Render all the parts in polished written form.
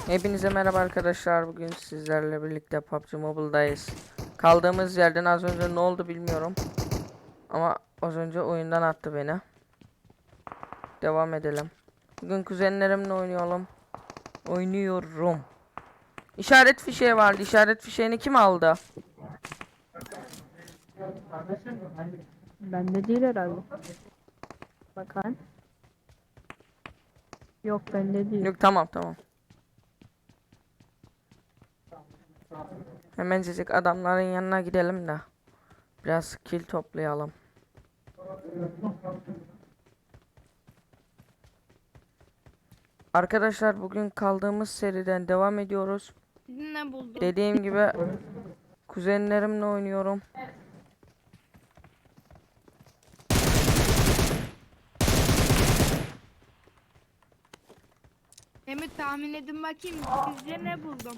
Hepinize merhaba arkadaşlar. Bugün sizlerle birlikte PUBG Mobile'dayız. Kaldığımız yerden az önce ne oldu bilmiyorum. Ama az önce oyundan attı beni. Devam edelim. Bugün kuzenlerimle oynuyorum. İşaret fişeği vardı. İşaret fişeğini kim aldı? Bende değil herhalde. Bakayım. Yok bende değil. Yok, tamam. Hemencecik adamların yanına gidelim de biraz kill toplayalım. Arkadaşlar bugün kaldığımız seriden devam ediyoruz. Ne buldun? Dediğim gibi kuzenlerimle oynuyorum. Emir tahmin edin bakayım. Sizce ne buldum?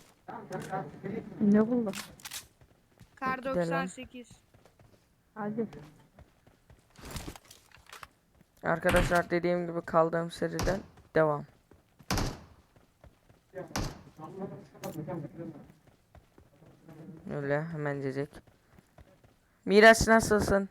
Ne buldun? Kar Gidelim. 98. Hadi. Arkadaşlar dediğim gibi kaldığım seriden devam. Öyle hemencecik. Miraç nasılsın?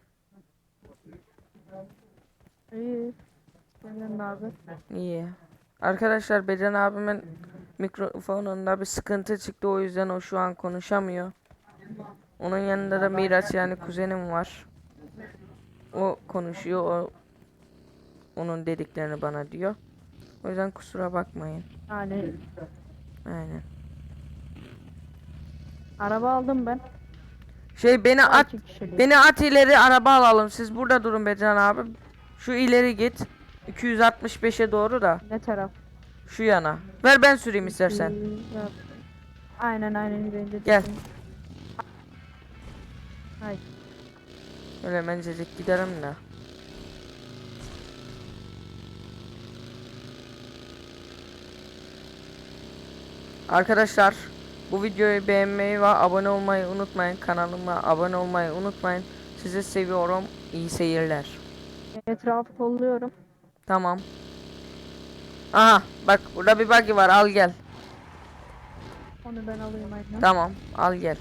İyi. Senden ne haber? İyi. Arkadaşlar Becan abimin mikrofonunda bir sıkıntı çıktı, o yüzden o şu an konuşamıyor. Onun yanında da Miraç yani kuzenim var. O konuşuyor, onun dediklerini bana diyor. O yüzden kusura bakmayın. Yani Aynen. araba aldım ben. Beni Daha at. iki kişilik. Beni at ileri, araba alalım. Siz burada durun Becan abi. Şu ileri git. 265'e doğru da. Ne taraf? Şu yana. Ver ben süreyim istersen. Yap. Aynen bence. Gel. Hayır. Öyle mencecik gidelim de. Arkadaşlar bu videoyu beğenmeyi ve abone olmayı unutmayın. Kanalıma abone olmayı unutmayın. Sizi seviyorum. İyi seyirler. Etrafı kolluyorum. Tamam. Aha bak, burada bir buggy var, al gel. Onu ben alayım aynen. Tamam, al gel.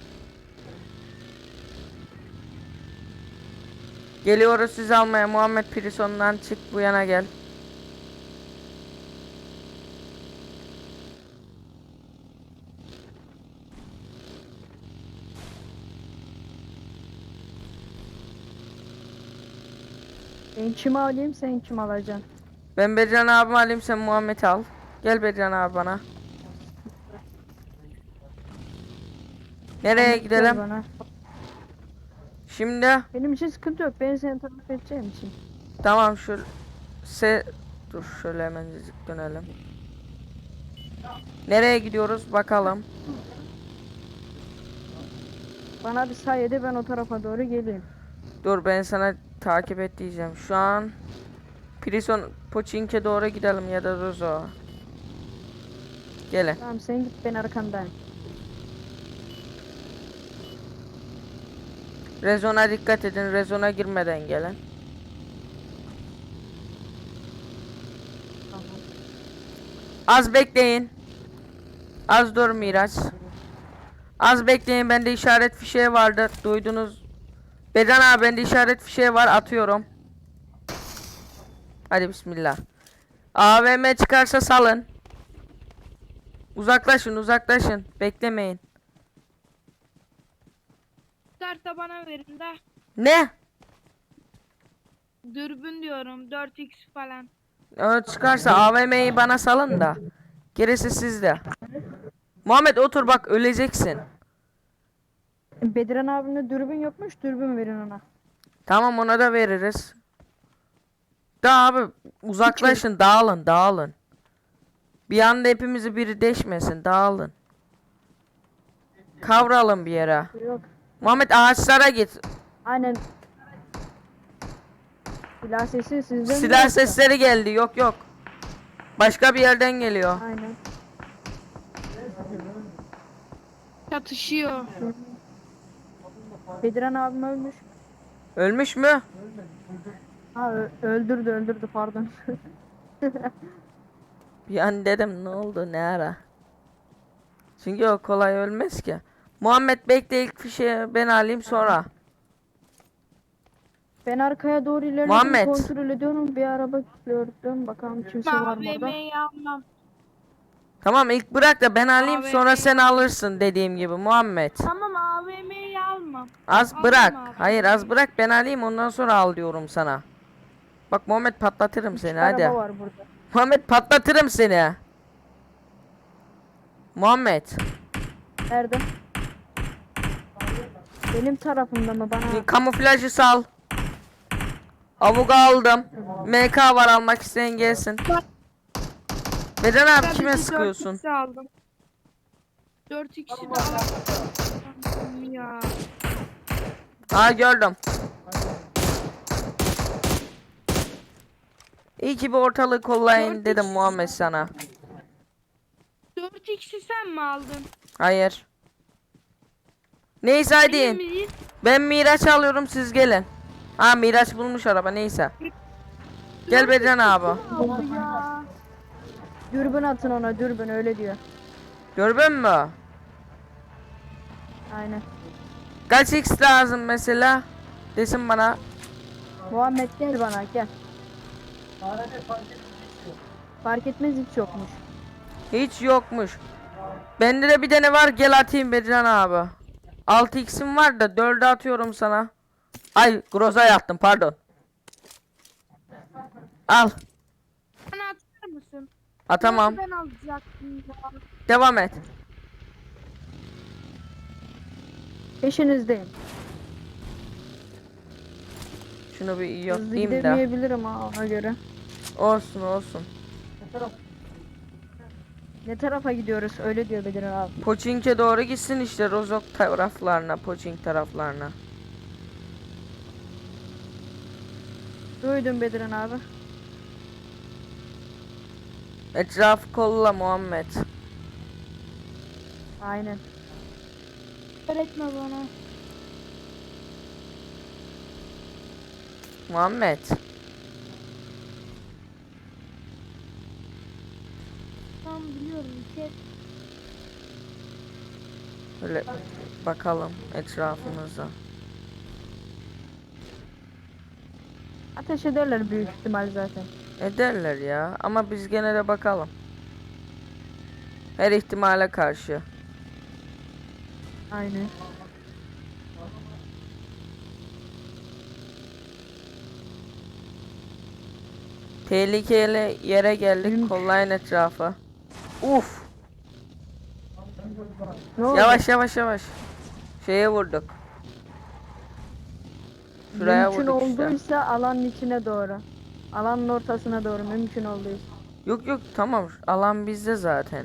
Geliyoruz sizi almaya. Muhammed Prison'dan çık, bu yana gel. Ben kimi alayım sen kim alacaksın? Ben Bedran abimi alayım, sen Muhammed'i al. Gel Bedran abi bana. Nereye Ahmet gel gidelim? bana. Şimdi Benim için sıkıntı yok. Ben seni tarif edeceğim için. tamam, dur şöyle hemencecik dönelim. Nereye gidiyoruz bakalım. Bana bir say de ben o tarafa doğru geleyim. Dur, ben sana takip et diyeceğim. Şu an Prison Pochinki'ye doğru gidelim ya da Rozo. Gelin. Tamam sen git ben arkandayım. Rezona dikkat edin. Rezona girmeden gelin. Tamam. Az bekleyin. Az dur Miraç. Az bekleyin, bende işaret fişeği vardı. Duydunuz. Bedan abi, bende işaret fişeği var, atıyorum. Hadi bismillah. AVM çıkarsa salın. Uzaklaşın. Beklemeyin. Karta bana verin de. Ne? Dürbün diyorum. 4x falan. O çıkarsa AVM'yi bana salın da. Gerisi sizde. Muhammed otur bak, öleceksin. Bediran abinin dürbün yokmuş. Dürbün verin ona. Tamam, ona da veririz. Da abi uzaklaşın, dağılın. Bir anda hepimizi biri deşmesin, dağılın. Kavralım bir yere. Yok. Muhammed ağaçlara git. Aynen. Silah sesi sizden mi Silah yoksa? sesleri geldi, yok. Başka bir yerden geliyor. Aynen. Çatışıyor. Bediran abim ölmüş. Ölmüş mü? Ha öldürdü pardon. Bir an dedim ne oldu ne ara. Çünkü o kolay ölmez ki. Muhammed bekle, ilk fişeği ben alayım sonra. Ben arkaya doğru ilerledim, Muhammed. kontrol ediyorum. Bir araba gördüm. Bakalım kimse var mı orada? AVM'yi almam. Tamam, ilk bırak da ben alayım sonra AVM'yi sen alırsın dediğim gibi Muhammed. Tamam AVM'yi almam. Az Almam bırak. abi. Hayır, az bırak ben alayım ondan sonra al diyorum sana. Bak Muhammed, patlatırım seni hadi. Araba var burada. Muhammed, patlatırım seni. Muhammed. Nerede? Benim tarafımda mı bana? Kamuflajı sal. Avuga aldım. MK var, almak isteyen gelsin. Beden abi Ben kime bir sıkıyorsun? 4x aldım. 4x'i de aldım ya. Aa, gördüm. İyi ki bir ortalığı kollayın 4x. dedim Muhammed sana. 4x'i sen mi aldın? Hayır. Neyse hadi. Emin miyiz? Ben Miraç alıyorum, siz gelin. Ha, Miraç bulmuş araba, neyse. Gel Beden abi. Aldı ya. Dürbün atın ona, dürbün öyle diyor. Gördün mü? Aynen. Kaç X lazım mesela? Desin bana. Muhammed gel bana gel. Fark etmez, hiç yokmuş. Hiç yokmuş. Bende de bir tane var, gel atayım Bedran abi. 6x'im var da 4'e atıyorum sana. Ay, Groza'ya attım, pardon. Al. Bana atar mısın? Atamam. Ben alacaktım ya. Devam et. Peşinizdeyim. Şunu bir Hızlı yoklayayım da. gidemeyebilirim ha, ona göre. Olsun olsun. Ne tarafa gidiyoruz öyle diyor Bedir abi. Poçink'e doğru gitsin işte, Rozok taraflarına, Poçink taraflarına. Duydum Bedirhan abi. Etrafı kolla Muhammed. Aynen. Öğretme bana. Muhammed. Tamam biliyorum ki. Böyle bakalım etrafımıza. Ateş ederler büyük ihtimal zaten. Ederler ya, ama biz gene de bakalım. Her ihtimale karşı. Aynen. Tehlikeli yere geldik, Benim- kollayın etrafı. Uf. Ne oldu? Yavaş yavaş yavaş. Şeye vurduk. Şuraya Mümkün vurduk işte. olduysa alanın içine doğru. Alanın ortasına doğru mümkün olduysa. Yok yok, tamam, alan bizde zaten.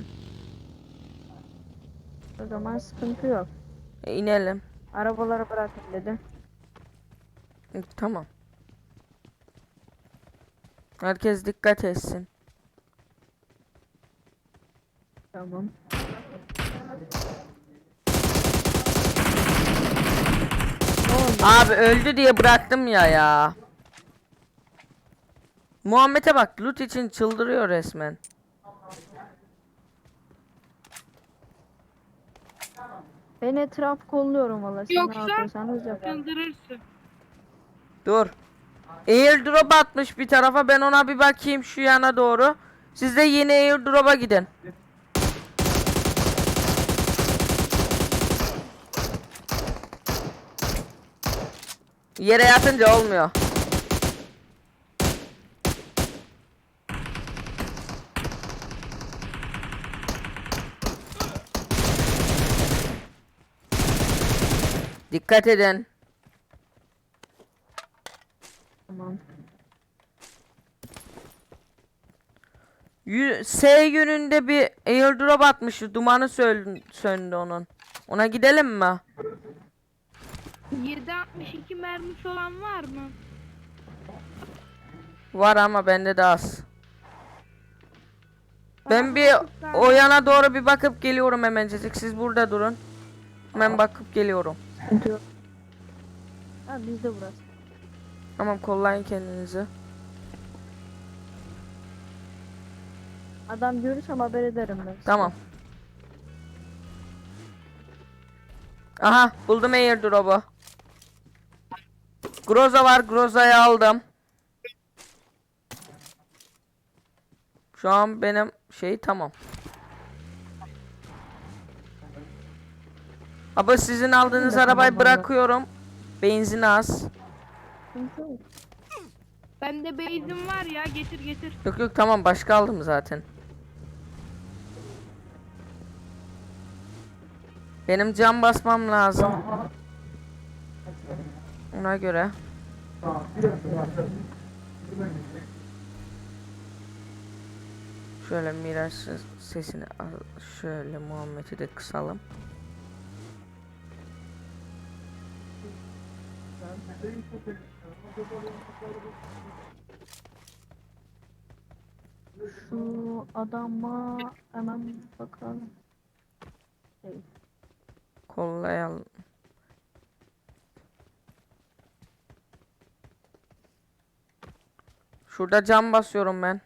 O zaman sıkıntı yok. İnelim. Arabaları bırakın dedi. Tamam. Herkes dikkat etsin. Tamam. Ne oldu? Abi öldü diye bıraktım ya. Muhammed'e bak, loot için çıldırıyor resmen. Ben etraf kolluyorum valla. Siz ne Yoksa yapıyorsanız yapın. çıldırırsın. Dur. Airdrop atmış bir tarafa, ben ona bir bakayım şu yana doğru. Siz de yeni airdrop'a gidin. Yere yatınca olmuyor. Dikkat edin. Tamam. S yönünde bir airdrop atmıştı. Dumanı söndü onun. Ona gidelim mi? 7.62 mermisi olan var mı? Var ama bende de az. Ben bir Bana o yana doğru bir bakıp geliyorum hemencecik. Siz burada durun. Hemen bakıp geliyorum. Sıkıntı yok. Ha bizde burası. Tamam, kollayın kendinizi. Adam görürsem haber ederim ben size. Tamam. Aha buldum airdrop'u. Groza var, Groza'yı aldım. Şu an benim şey tamam. Ama sizin aldığınız de arabayı tamam vallahi. bırakıyorum. Benzin az. Sıkıntı yok. Bende benzin var ya, getir getir. Yok yok tamam, başka aldım zaten. Benim cam basmam lazım. Ona göre. Şöyle Miraç sesini şöyle Muhammed'i de kısalım. Şu adama hemen bakalım. Şey, Kollayalım. Şurada cam basıyorum ben.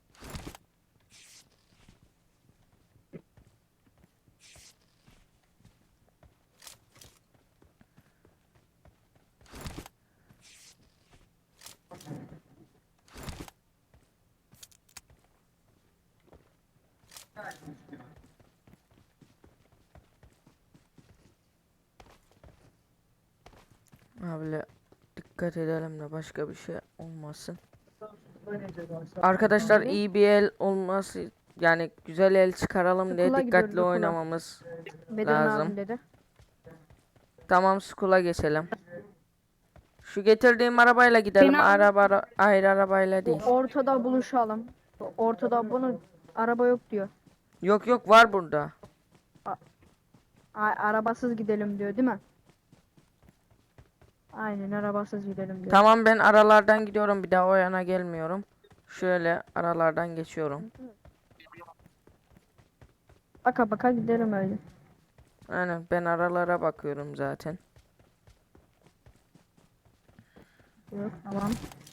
Abi dikkat edelim de başka bir şey olmasın. Arkadaşlar iyi bir el olması, yani güzel el çıkaralım diye Okula dikkatli gidiyoruz, okula. oynamamız Bedran lazım. abim dedi. Tamam, school'a geçelim. Şu getirdiğim arabayla gidelim. Seni al- Ayrı arabayla değil. Ortada buluşalım. Ortada bunun araba yok diyor. Yok yok, var burada. Arabasız gidelim diyor değil mi? Aynen arabasız gidelim diyor. Tamam, ben aralardan gidiyorum, bir daha o yana gelmiyorum. Şöyle aralardan geçiyorum. Baka baka gidelim öyle. Aynen, ben aralara bakıyorum zaten. Yok tamam.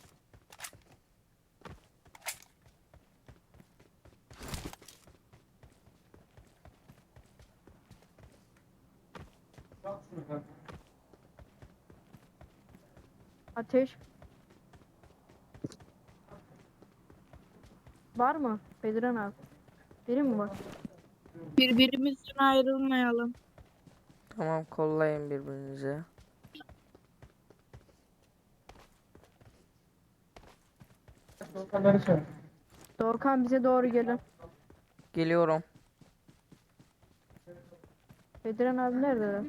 Ateş. Var mı? Bedran abi. Biri mi var? Birbirimizden ayrılmayalım. Tamam, kollayın birbirinizi. Dorkan bize doğru gelin. Geliyorum. Bedran abi nerede?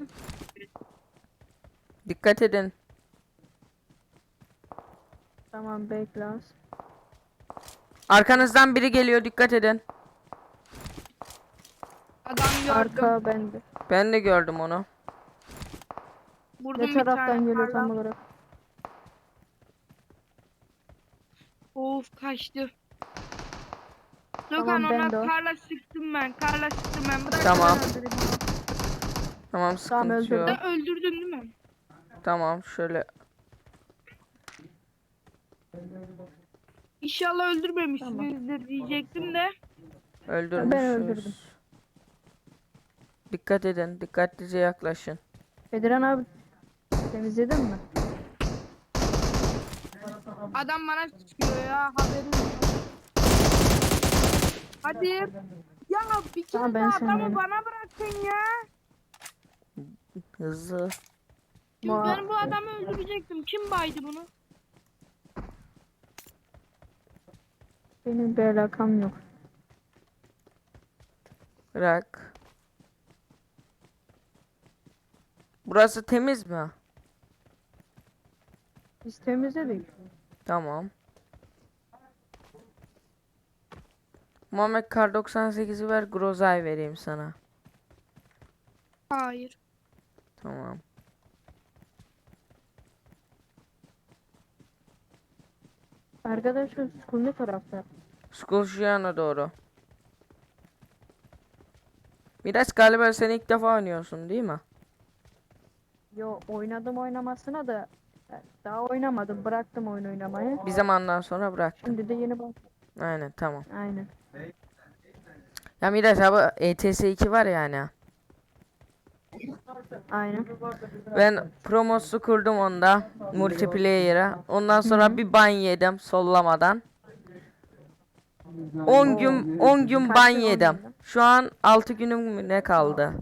Dikkat edin. Tamam bekle az. Arkanızdan biri geliyor, dikkat edin. Adam gördüm. Arka bende. Ben de gördüm onu. Vurdum Ne bir taraftan tane geliyor tam kardan. olarak? Of, kaçtı. Tamam, Gökhan, ben ona de o. karla sıktım ben. Karla sıktım ben. Bırak. Tamam. Ben öldüreyim. Tamam, sıkıntı öldürdüm. yok. Sen öldürdün değil mi? Tamam, şöyle. İnşallah öldürmemişsinizdir diyecektim de. öldürdüm. Öldürmüşüz. Dikkat edin, dikkatlice yaklaşın. Bedran abi temizledin mi? Adam bana sıkıyor ya, haberin yok. Hadi. Ya bir kere Tamam, ben de seni adamı yerim. bana bırakın ya. Hızlı. Şimdi Bu- ben bu adamı öldürecektim. Kim baydı bunu? Benim bir alakam yok. Bırak. Burası temiz mi? Biz temizledik. Tamam. Muhammed, kar 98'i ver, Groza'yı vereyim sana. Hayır. Tamam. Arkadaşlar school ne tarafta? School şu yana doğru. Miraç, galiba sen ilk defa oynuyorsun değil mi? Yo oynadım oynamasına da daha oynamadım. Bıraktım oyun oynamayı. Bir zamandan sonra bıraktım. Şimdi de yeni bak. Aynen, tamam. Aynen. Ya Miraç abi ETS2 var yani. Aynen. Ben promosu kurdum onda multiplayer'a. Ondan sonra bir ban yedim sollamadan. 10 gün 10 gün ban Kaç gün yedim. oynadın? Şu an 6 günüm mü ne kaldı?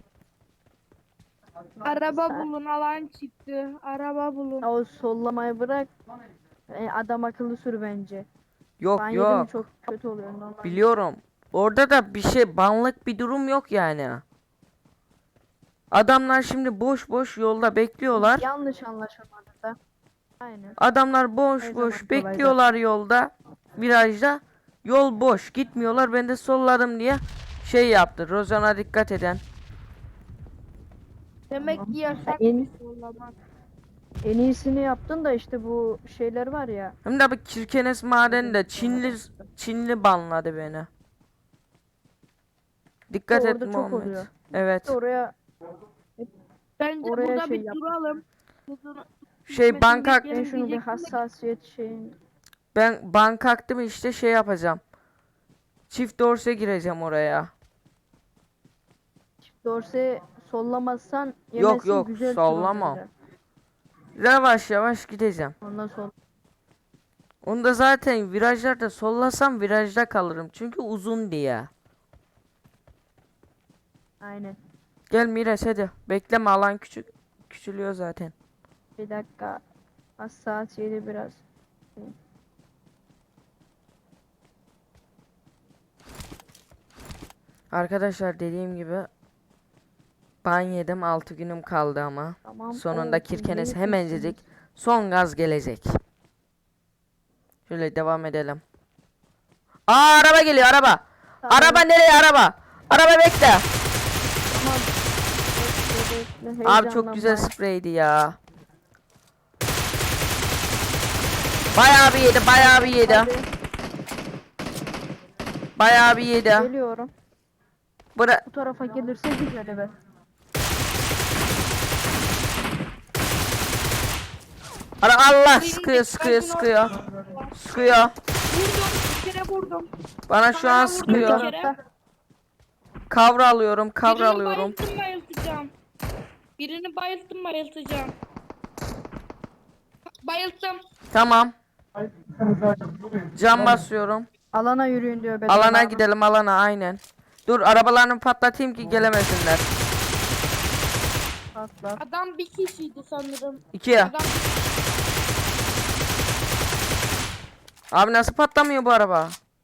Araba bulun, alan çıktı. Araba bulun. O sollamayı bırak. Adam akıllı sür bence. Ben Yok yedim mi yok. çok kötü oluyor normal. Biliyorum. Orada da bir şey banlık bir durum yok yani. Adamlar şimdi boş boş yolda bekliyorlar. Yanlış anlaşılmadı da. Aynen. Adamlar boş Her boş zaman kolay bekliyorlar yolda. Virajda. Yol boş gitmiyorlar. Ben de solladım diye şey yaptı. Rozan'a dikkat eden. Demek ki yasak En, bir sollamak. en iyisini yaptın da işte bu şeyler var ya. Hem de bu Kirkenes madeni Çinli banladı beni. Dikkat et Orada çok Muhammed. oluyor. Evet. Oraya Bence Oraya burada şey bir yap. duralım. Şey banka ben şunu bir hassasiyet şeyin. ben banka aktım işte şey yapacağım. Çift dorse gireceğim oraya. Dorse sollamazsan Yok, yemezsin, yok, güzel sollamam. sürüyor. Yavaş yavaş gideceğim. Ondan sol. Onda zaten virajlarda sollasam virajda kalırım. Çünkü uzun diye. Aynen. Gel Miraç hadi. Bekleme alan küçülüyor zaten. Bir dakika. Hassasiyeti biraz. Arkadaşlar dediğim gibi ban yedim 6 günüm kaldı ama. Tamam. Sonunda Oo, Kirkenes iyi hemencecik kızsınız. son gaz gelecek. Şöyle devam edelim. Aa araba geliyor araba. Tamam. Araba nereye araba? Araba bekle. Tamam. Bekle, bekle, Abi çok güzel heyecanlanma. spreydi ya. Bayağı bir yedi, bayağı bir yedi. Hadi, Bayağı bir yedi. geliyorum. Bura Bu tarafa gelirse güzel evet. Allah sıkıyor, sıkıyor, sıkıyor. Sıkıyor. Vurdum, bir kere vurdum. Bana şu an Bana vurdu. Bu sıkıyor. tarafta. Kavra alıyorum, kavra Birini alıyorum. bayıltacağım. Birini bayıltacağım. Bayılttım. Tamam. Cam basıyorum. Alana yürüyün diyor Bedran Alana abi. gidelim, alana aynen. Dur arabalarını patlatayım ki gelemesinler. Atla. Adam bir kişiydi sanırım. İki. Adam Abi nasıl patlamıyor bu araba?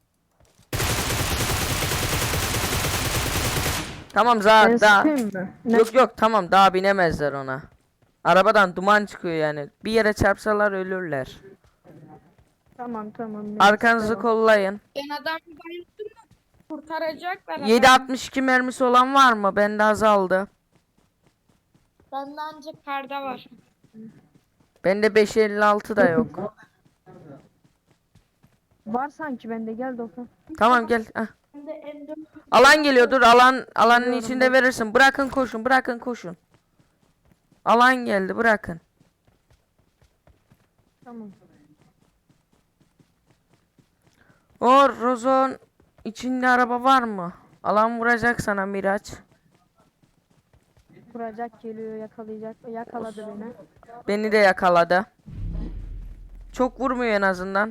Tamam Ben daha. sıkayım mı? Ne? Yok yok tamam daha binemezler ona. Arabadan duman çıkıyor yani. Bir yere çarpsalar ölürler. Tamam tamam. ben Arkanızı sıkarım. kollayın. ben adamı bayılttım da kurtaracaklar adamı. 7.62 mermisi olan var mı? Bende azaldı. Bende ancak karda var. Bende 5.56 da yok. Var sanki bende gel Dokan. Tamam gel. Heh. Bende M4 Alan geliyor dur alanın Biliyorum içinde ben. verirsin. Bırakın koşun bırakın koşun. Alan geldi bırakın. Tamam. O Rozon içinde araba var mı? Alan vuracak sana Miraç. Kuracak geliyor yakalayacak. Yakaladı beni. Beni de yakaladı. Çok vurmuyor en azından.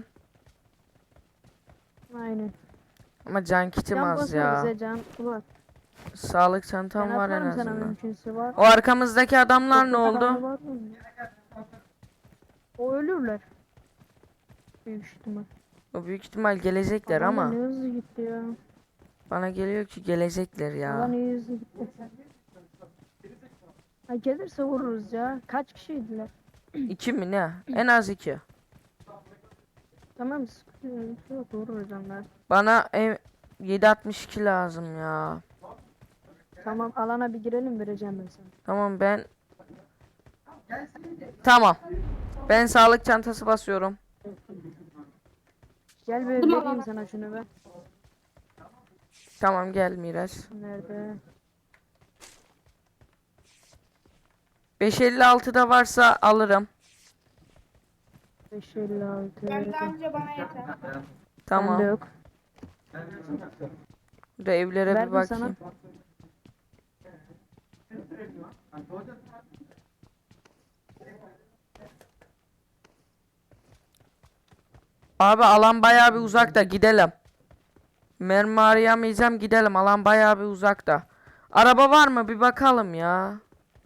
Aynen. Ama can kitim Can az basma ya. bize can. Var. Sağlık Ben çantam var en atarım sana azından. mümkünse var. O arkamızdaki adamlar ne Dokuz oldu? tane var mı? O ölürler. Büyük ihtimal. O büyük ihtimal gelecekler Adam da ama ne hızlı gitti ya. bana geliyor ki gelecekler Allah ya. ne hızlı gitti. Ha gelirse vururuz ya. Kaç kişiydiler? 2 mi ne? En az 2. Tamam sıkıntı yok vururuz onlar. Bana 7.62 lazım ya. Tamam alana bir girelim vereceğim ben sana. Tamam ben. Tamam. Ben sağlık çantası basıyorum. Gel bir vereyim sana şunu be. Tamam gel Miraç. Nerede? 5.56'da varsa alırım. 556. bende anca bana yeter. Bende Tamam. yok. Burada evlere bir Verdim sana. bakayım. Abi alan bayağı bir uzakta, gidelim. Mermi arayamayacağım, gidelim. Alan bayağı bir uzakta. Araba var mı bir bakalım ya.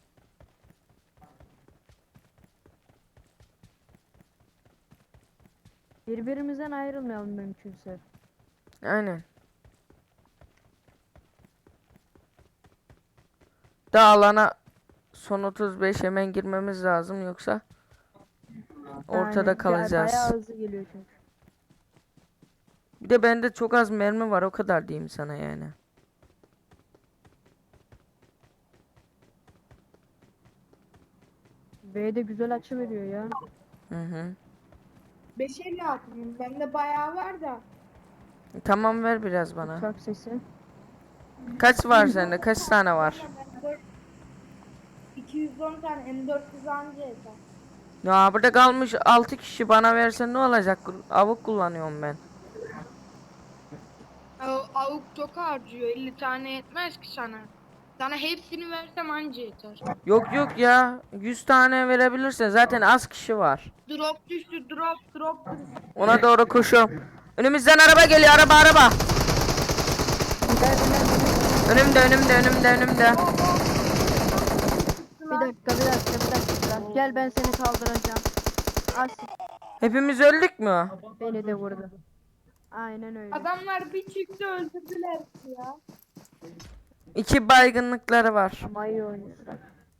Birbirimizden ayrılmayalım mümkünse. Aynen. Da alana son 35 hemen girmemiz lazım, yoksa ortada Aynen. kalacağız. Bayağı hızlı geliyor çünkü. Bir de bende çok az mermi var, o kadar diyeyim sana yani. B'de güzel açı veriyor ya. Hı hı. 550 atayım. Bende bayağı var da. Tamam, ver biraz bana. Uçak sesi. Kaç var sende? Kaç tane var? 210 tane M400 anca yeter. Ya burada kalmış 6 kişi, bana versen ne olacak? Avuk kullanıyorum ben. Avuk çok harcıyor. 50 tane yetmez ki sana. Sana hepsini versem anca yeter. Yok yok ya. 100 tane verebilirsin. Zaten az kişi var. Drop düştü, drop düştü. Ona doğru koşuyorum. Önümüzden araba geliyor. Araba. Önümde. Bir dakika. Gel ben seni kaldıracağım. As Hepimiz öldük mü? beni de vurdu. Aynen öyle. Adamlar bir çıktı öldürdüler ya. 2 baygınlıkları var. Ama iyi oynuyorlar.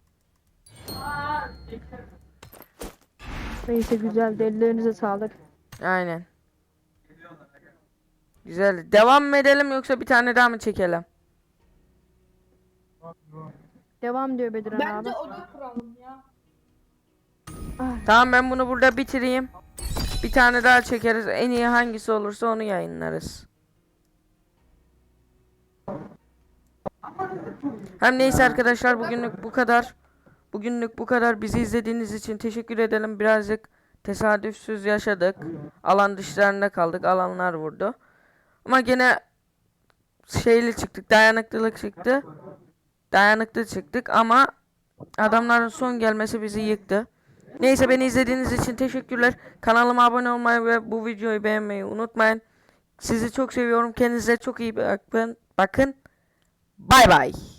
Neyse güzel. Ellerinize sağlık. Aynen. Güzel. Devam mı edelim yoksa bir tane daha mı çekelim? Devam diyor Bedirhan abi. Bence oda kuralım ya. Tamam, ben bunu burada bitireyim. Bir tane daha çekeriz. En iyi hangisi olursa onu yayınlarız. Hem neyse arkadaşlar, bugünlük bu kadar. Bizi izlediğiniz için teşekkür edelim. Birazcık tesadüfsüz yaşadık. Alan dışlarında kaldık. Alanlar vurdu. Ama gene şeyli çıktık. Dayanıklı çıktık ama adamların son gelmesi bizi yıktı. Neyse, beni izlediğiniz için teşekkürler. Kanalıma abone olmayı ve bu videoyu beğenmeyi unutmayın. Sizi çok seviyorum. Kendinize çok iyi bakın. Bay bay.